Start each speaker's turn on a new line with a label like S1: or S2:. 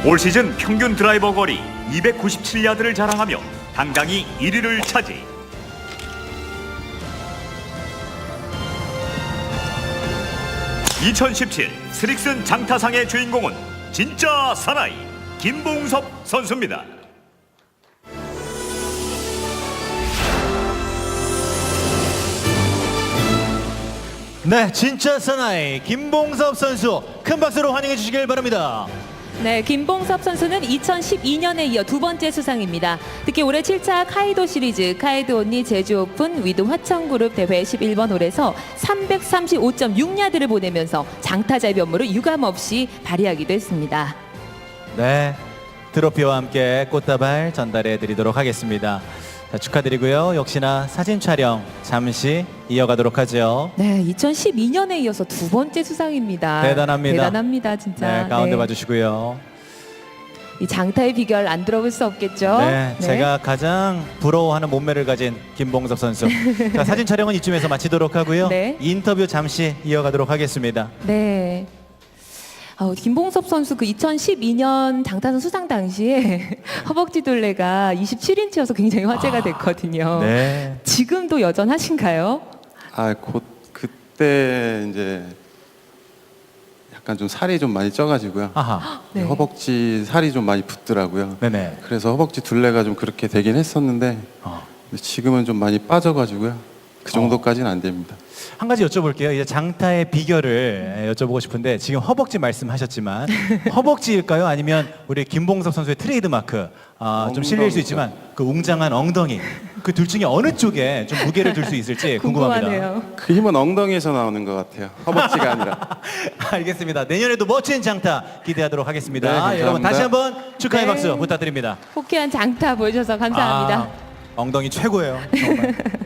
S1: 올 시즌 평균 드라이버 거리 297야드를 자랑하며 당당히 1위를 차지. (2017) 스릭슨 장타상의 주인공은 진짜 사나이 김봉섭 선수입니다.
S2: 네, 진짜 사나이 김봉섭 선수 큰 박수로 환영해 주시길 바랍니다.
S3: 네, 김봉섭 선수는 2012년에 이어 두 번째 수상입니다. 특히 올해 7차 카이도 시리즈 카이도 온리 제주 오픈 위드 화천그룹 대회 11번 홀에서 335.6야드를 보내면서 장타자의 면모를 유감없이 발휘하기도 했습니다.
S2: 네, 트로피와 함께 꽃다발 전달해 드리도록 하겠습니다. 자, 축하드리고요. 역시나 사진 촬영 잠시 이어가도록 하죠.
S3: 네, 2012년에 이어서 두 번째 수상입니다.
S2: 대단합니다.
S3: 대단합니다, 진짜.
S2: 네, 가운데
S3: 네.
S2: 봐주시고요.
S3: 이 장타의 비결 안 들어볼 수 없겠죠?
S2: 네, 제가 가장 부러워하는 몸매를 가진 김봉섭 선수. 자, 사진 촬영은 이쯤에서 마치도록 하고요.
S3: 네.
S2: 인터뷰 잠시 이어가도록 하겠습니다.
S3: 네. 김봉섭 선수 그 2012년 장타선 수상 당시에 허벅지 둘레가 27인치여서 굉장히 화제가 됐거든요.
S2: 네.
S3: 지금도 여전하신가요?
S4: 곧 그때 이제 약간 좀 살이 좀 많이 쪄가지고요.
S2: 아하.
S3: 네.
S4: 허벅지 살이 좀 많이 붙더라고요.
S2: 네네.
S4: 그래서 허벅지 둘레가 좀 그렇게 되긴 했었는데 근데 지금은 좀 많이 빠져가지고요. 그 정도까지는 안 됩니다.
S2: 한 가지 여쭤볼게요. 이제 장타의 비결을 여쭤보고 싶은데 지금 허벅지 말씀하셨지만 허벅지일까요? 아니면 우리 김봉섭 선수의 트레이드 마크 좀 실릴 수 있지만 그 웅장한 엉덩이 그 둘 중에 어느 쪽에 좀 무게를 둘 수 있을지 궁금합니다.
S3: 궁금하네요.
S4: 그 힘은 엉덩이에서 나오는 것 같아요. 허벅지가 아니라.
S2: 알겠습니다. 내년에도 멋진 장타 기대하도록 하겠습니다.
S4: 네, 감사합니다.
S2: 여러분 다시 한번 축하의
S3: 네.
S2: 박수 부탁드립니다.
S3: 호쾌한 장타 보여주셔서 감사합니다.
S2: 엉덩이 최고예요. 정말.